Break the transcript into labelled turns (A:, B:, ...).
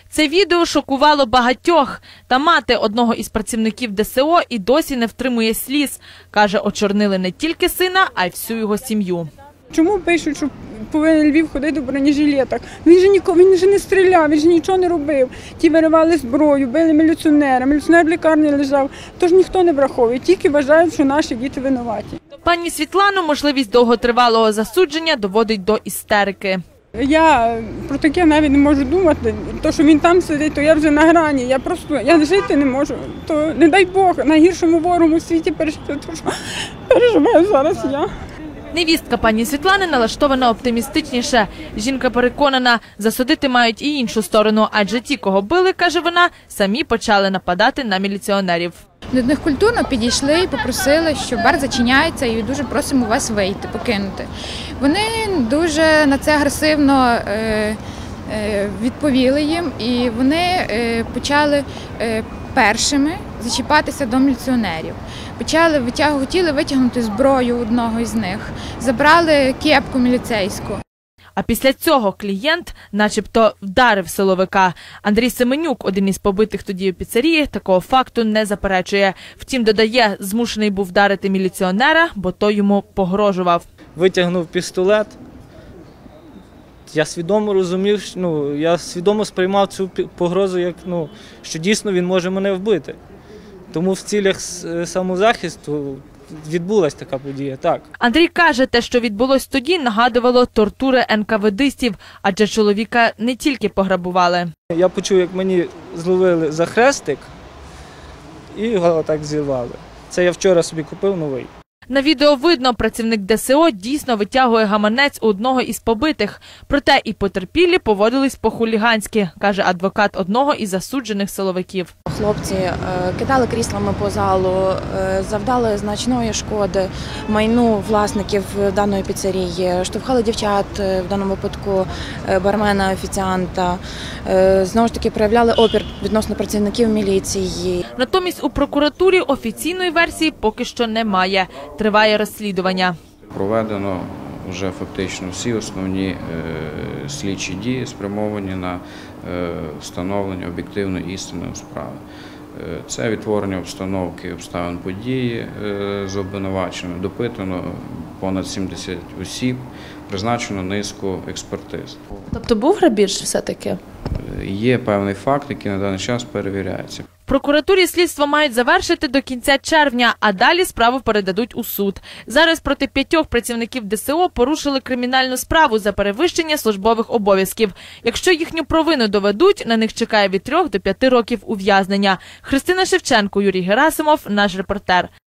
A: Це відео шокувало багатьох. Та мати одного із працівників ДСО і досі не втримує сліз. Каже, очорнили не тільки сина, а й всю його сім'ю.
B: Чому пишуть, що повинен Львів ходити в бронежилетах? Він же не стріляв, він же нічого не робив. Ті виривали зброю, били міліціонера, міліціонер в лікарні лежав. Тож ніхто не враховує, тільки вважають, що наші діти винуваті.
A: Пані Світлану можливість довготривалого засудження доводить до істерики.
B: Я про таке навіть не можу думати. То, що він там сидить, то я вже на грані. Я жити не можу. То не дай Бог, найгіршому ворогу у світі пережити, то що переживаю зараз я.
A: Невістка пані Світлани налаштована оптимістичніше. Жінка переконана, засудити мають і іншу сторону, адже ті, кого били, каже вона, самі почали нападати на міліціонерів.
C: До них культурно підійшли і попросили, що бар зачиняється і дуже просимо вас вийти, покинути. Вони дуже на це агресивно відповіли їм і вони почали першими зачіпатися до міліціонерів. Хотіли витягнути зброю одного із них, забрали кепку міліцейську.
A: А після цього клієнт начебто вдарив силовика. Андрій Семенюк, один із побитих тоді у піцерії, такого факту не заперечує. Втім, додає, змушений був вдарити міліціонера, бо той йому погрожував.
D: Витягнув пістолет. Я свідомо розумів, я свідомо сприймав цю погрозу, як, що дійсно він може мене вбити. Тому в цілях самозахисту відбулася така подія, так.
A: Андрій каже, те, що відбулось тоді, нагадувало тортури НКВДистів, адже чоловіка не тільки пограбували.
D: Я почув, як мені зловили за хрестик і його так зірвали. Це я вчора собі купив новий.
A: На відео видно, працівник ДСО дійсно витягує гаманець у одного із побитих. Проте і потерпілі поводились по-хуліганськи, каже адвокат одного із засуджених силовиків.
E: Хлопці кидали кріслами по залу, завдали значної шкоди майну власників даної піцерії, штовхали дівчат, в даному випадку бармена, офіціанта, знову ж таки проявляли опір відносно працівників міліції.
A: Натомість у прокуратурі офіційної версії поки що немає. Триває розслідування.
F: Проведено вже фактично всі основні слідчі дії, спрямовані на встановлення об'єктивної істини у справі. Це відтворення обстановки, обставин події з обвинуваченими, допитано понад 70 осіб, призначено низку експертиз.
A: Тобто був грабіж все-таки?
F: Є певний факт, який на даний час перевіряється.
A: В прокуратурі слідство мають завершити до кінця червня, а далі справу передадуть у суд. Зараз проти 5 працівників ДСО порушили кримінальну справу за перевищення службових обов'язків. Якщо їхню провину доведуть, на них чекає від 3 до 5 років ув'язнення. Христина Шевченко, Юрій Герасимов, наш репортер.